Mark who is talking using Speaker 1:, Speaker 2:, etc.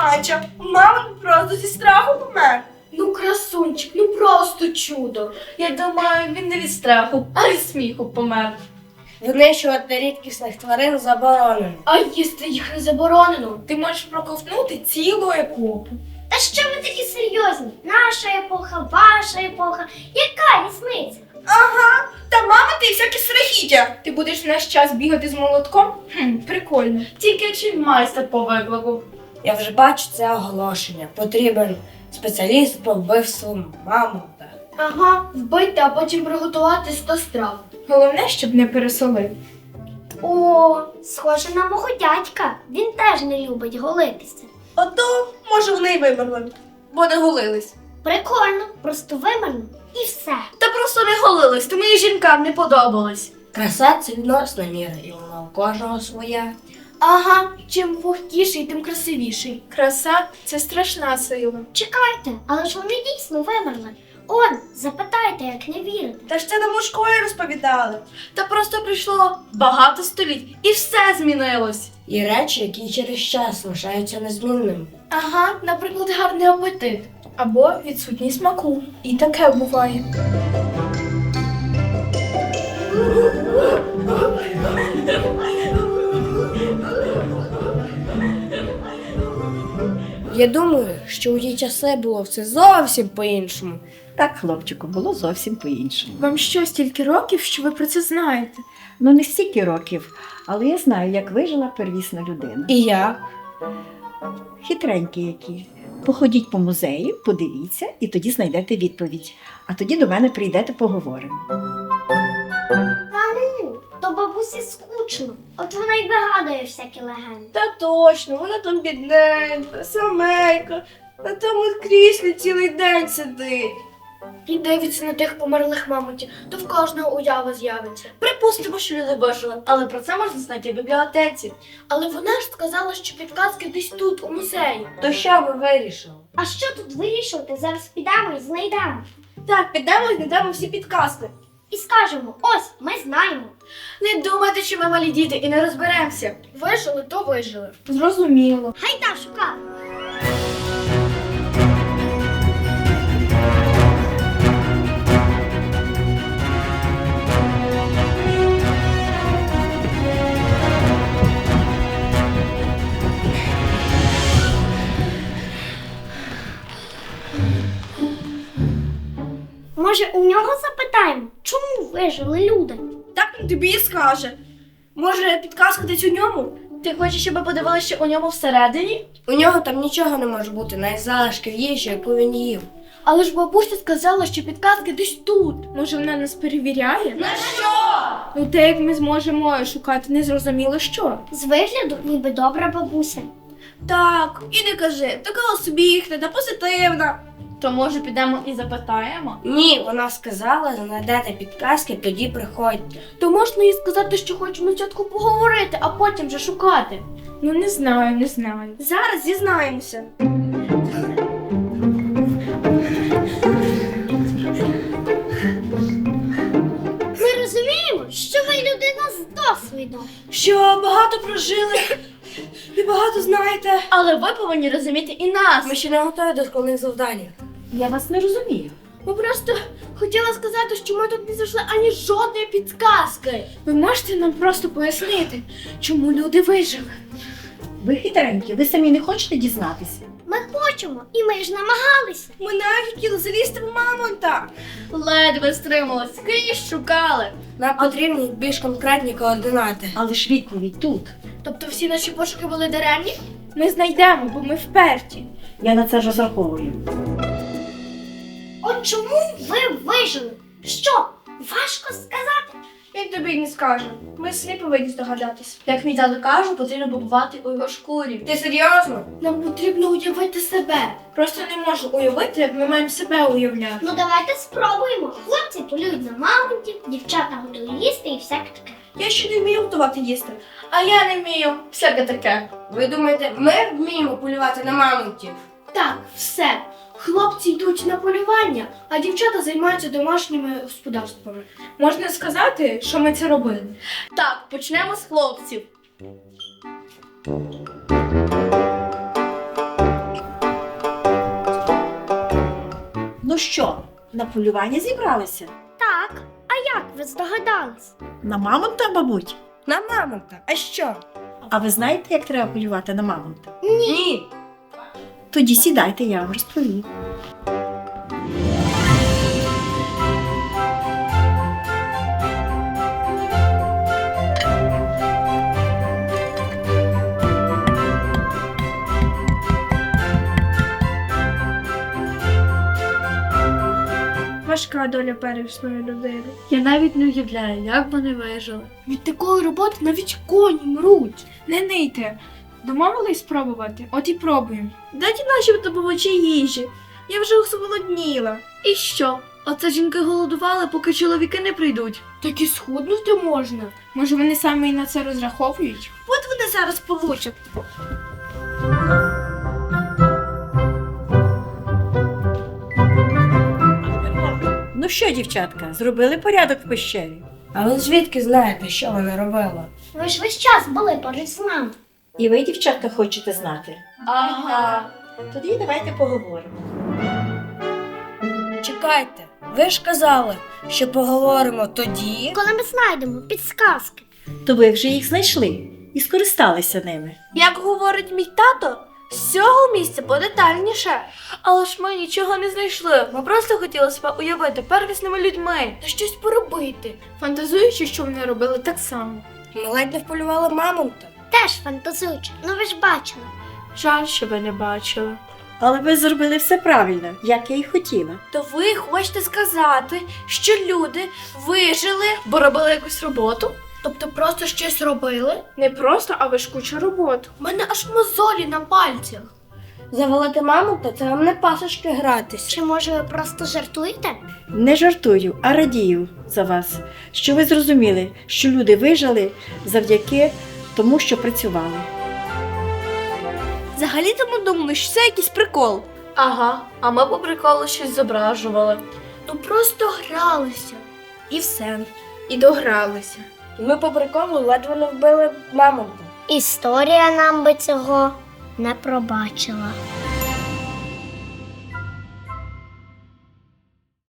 Speaker 1: Ача, мамонт просто зі страху помер.
Speaker 2: Ну, красунчик, ну просто чудо.
Speaker 3: Я думаю, він не від страху, а від сміху помер.
Speaker 1: Винищувати рідкісних тварин заборонено.
Speaker 2: А їсти їх не заборонено.
Speaker 3: Ти можеш проковтнути цілу епоху.
Speaker 4: Та що ви такі серйозні? Наша епоха, ваша епоха. Яка різниця?
Speaker 1: Ага, та мамонти і всякі страхіття.
Speaker 3: Ти будеш наш час бігати з молотком? Прикольно. Тільки чи майстер по виклику?
Speaker 1: Я вже бачу це оголошення. Потрібен спеціаліст по вбивству мамонта.
Speaker 2: Ага, вбити, а потім приготувати 100 страв.
Speaker 3: Головне, щоб не пересолив.
Speaker 4: О, схоже на мого дядька. Він теж не любить голитися.
Speaker 1: Ото, може, вони й вимерли, бо не голились.
Speaker 4: Прикольно, просто вимерну і все.
Speaker 3: Та просто не голились, тому і жінкам не подобалось.
Speaker 1: Краса це відносна міра, і вона у кожного своя.
Speaker 2: Ага, чим вогкіший, тим красивіший.
Speaker 3: Краса – це страшна сила.
Speaker 4: Чекайте, але ж вони дійсно вимерли. Он, запитайте, як не вірите.
Speaker 1: Та ж це нам у школі розповідали.
Speaker 3: Та просто пройшло багато століть і все змінилось.
Speaker 1: І речі, які через час лишаються незмінними.
Speaker 2: Ага, наприклад, гарний апетит.
Speaker 3: Або відсутність смаку. І таке буває.
Speaker 1: Я думаю, що у ті часи було все зовсім по-іншому.
Speaker 5: Так, хлопчику, було зовсім по-іншому.
Speaker 3: Вам що, стільки років, що ви про це знаєте?
Speaker 5: Ну, не стільки років, але я знаю, як вижила первісна людина.
Speaker 1: І я.
Speaker 5: Хитренькі які. Походіть по музею, подивіться, і тоді знайдете відповідь. А тоді до мене прийдете, поговоримо.
Speaker 4: Та ну, то бабусі скучно. От вона й вигадує всякі легенди.
Speaker 1: Та точно, вона там бідненька, самейка, на тому кріслі цілий день сидить.
Speaker 2: І дивиться на тих померлих мамонтів, то в кожного уява з'явиться.
Speaker 3: Припустимо, що люди вижили, але про це можна знайти в бібліотеці.
Speaker 2: Але вона ж сказала, що підказки десь тут, у музеї.
Speaker 1: То що ви вирішили?
Speaker 4: А що тут вирішувати? Зараз підемо і знайдемо.
Speaker 1: Так, підемо і знайдемо всі підказки.
Speaker 4: І скажемо, ось, ми знаємо.
Speaker 3: Не думайте, що ми малі діти і не розберемося.
Speaker 2: Вижили, то вижили.
Speaker 3: Зрозуміло.
Speaker 4: Гайда шукати. Може, у нього запитаємо, чому вижили люди?
Speaker 1: Так він тобі і скаже. Може, підказка десь у ньому?
Speaker 3: Ти хочеш, щоб ми подивилися, що у ньому всередині?
Speaker 1: У нього там нічого не може бути, навіть залишків їжі, яку він їв.
Speaker 2: Але ж бабуся сказала, що підказки десь тут.
Speaker 3: Може, вона нас перевіряє?
Speaker 1: На що?
Speaker 3: Ну, те, як ми зможемо шукати, незрозуміло що.
Speaker 4: З вигляду ніби добра бабуся.
Speaker 1: Так, і не кажи, така усміхнена, позитивна.
Speaker 3: То, може, підемо і запитаємо?
Speaker 1: Ні, вона сказала, знайдете підказки, тоді приходьте.
Speaker 2: То можна їй сказати, що хочемо спочатку поговорити, а потім вже шукати.
Speaker 3: Ну, не знаю.
Speaker 1: Зараз дізнаємося.
Speaker 4: Ми розуміємо, що ви людина з досвідом.
Speaker 1: Що багато прожили і багато знаєте.
Speaker 3: Але ви повинні розуміти і нас.
Speaker 1: Ми ще не готові до шкільних завдань.
Speaker 5: Я вас не розумію.
Speaker 2: Ми просто хотіла сказати, що ми тут не знайшли ані жодної підказки.
Speaker 3: Ви можете нам просто пояснити, чому люди вижили?
Speaker 5: Ви хитренькі, ви самі не хочете дізнатися?
Speaker 4: Ми хочемо, і ми ж намагалися.
Speaker 1: Ми навіть хотіли залізти в мамонта.
Speaker 3: Ледве стрималась, скрізь шукали.
Speaker 1: Нам потрібні більш конкретні координати.
Speaker 5: Але ж відповідь тут.
Speaker 2: Тобто всі наші пошуки були даремні?
Speaker 3: Ми знайдемо, бо ми вперті.
Speaker 5: Я на це розраховую.
Speaker 4: От чому ви вижили? Що, важко сказати?
Speaker 1: Він тобі й не скаже. Ми самі повинні здогадатись.
Speaker 3: Як мій тато каже, потрібно побувати у його шкурі.
Speaker 1: Ти серйозно?
Speaker 2: Нам потрібно уявити себе.
Speaker 3: Просто не можу уявити, як ми маємо себе уявляти.
Speaker 4: Ну давайте спробуємо. Хлопці полюють на мамонтів, дівчата готують їсти і всяке таке.
Speaker 1: Я ще не вмію готувати їсти.
Speaker 3: А я не вмію. Всяке таке.
Speaker 1: Ви думаєте, ми вміємо полювати на мамонтів?
Speaker 2: Так, все. Хлопці йдуть на полювання, а дівчата займаються домашніми господарствами.
Speaker 3: Можна сказати, що ми це робили? Так, почнемо з хлопців.
Speaker 5: що, на полювання зібралися?
Speaker 4: Так, а як ви здогадались?
Speaker 5: На мамонта, мабуть?
Speaker 1: На мамонта. А що?
Speaker 5: А ви знаєте, як треба полювати на мамонта?
Speaker 1: Ні.
Speaker 5: Тоді сідайте, я вам розповім.
Speaker 1: Важка доля первісної людини.
Speaker 2: Я навіть не уявляю, як вони вижили. Від такої роботи навіть коні мруть.
Speaker 3: Не нийте. Домовились спробувати? От і пробуємо.
Speaker 1: Дайте наші добувачі їжі. Я вже усголодніла.
Speaker 2: І що? Оце жінки голодували, поки чоловіки не прийдуть. Так і схуднути можна.
Speaker 3: Може, вони саме і на це розраховують?
Speaker 1: От вони зараз получать.
Speaker 5: Ну що, дівчатка, зробили порядок в пещері?
Speaker 1: А ви звідки знаєте, що вона робила?
Speaker 4: Ви ж весь час були поруч з нами.
Speaker 5: І ви, дівчатка, хочете знати?
Speaker 1: Ага.
Speaker 5: Тоді давайте поговоримо.
Speaker 1: Чекайте, ви ж казали, що поговоримо тоді.
Speaker 4: Коли ми знайдемо підсказки.
Speaker 5: То ви вже їх знайшли і скористалися ними.
Speaker 2: Як говорить мій тато, з цього місця подетальніше. Але ж ми нічого не знайшли. Ми просто хотіли себе уявити первісними людьми та щось поробити.
Speaker 3: Фантазуючи, що вони робили так само.
Speaker 1: Ми ледь не вполювали мамонта.
Speaker 4: Теж фантазуючи. Ну ви ж бачили.
Speaker 2: Жаль, що ви не бачили.
Speaker 5: Але ви зробили все правильно, як я і хотіла.
Speaker 2: То ви хочете сказати, що люди вижили, бо робили якусь роботу? Тобто просто щось робили?
Speaker 3: Не просто, а важкуча робота.
Speaker 2: У мене аж мозолі на пальцях.
Speaker 1: Завалити мамонта це вам не пасочки гратися.
Speaker 4: Чи може ви просто жартуєте?
Speaker 5: Не жартую, а радію за вас, що ви зрозуміли, що люди вижили завдяки тому, що працювали.
Speaker 2: Взагалі-то ми думали, що це якийсь прикол. Ага, а ми по приколу щось зображували. Ну просто гралися.
Speaker 1: І все.
Speaker 3: І догралися.
Speaker 1: Ми по приколу ледве не вбили мамонта.
Speaker 4: Історія нам би цього не пробачила.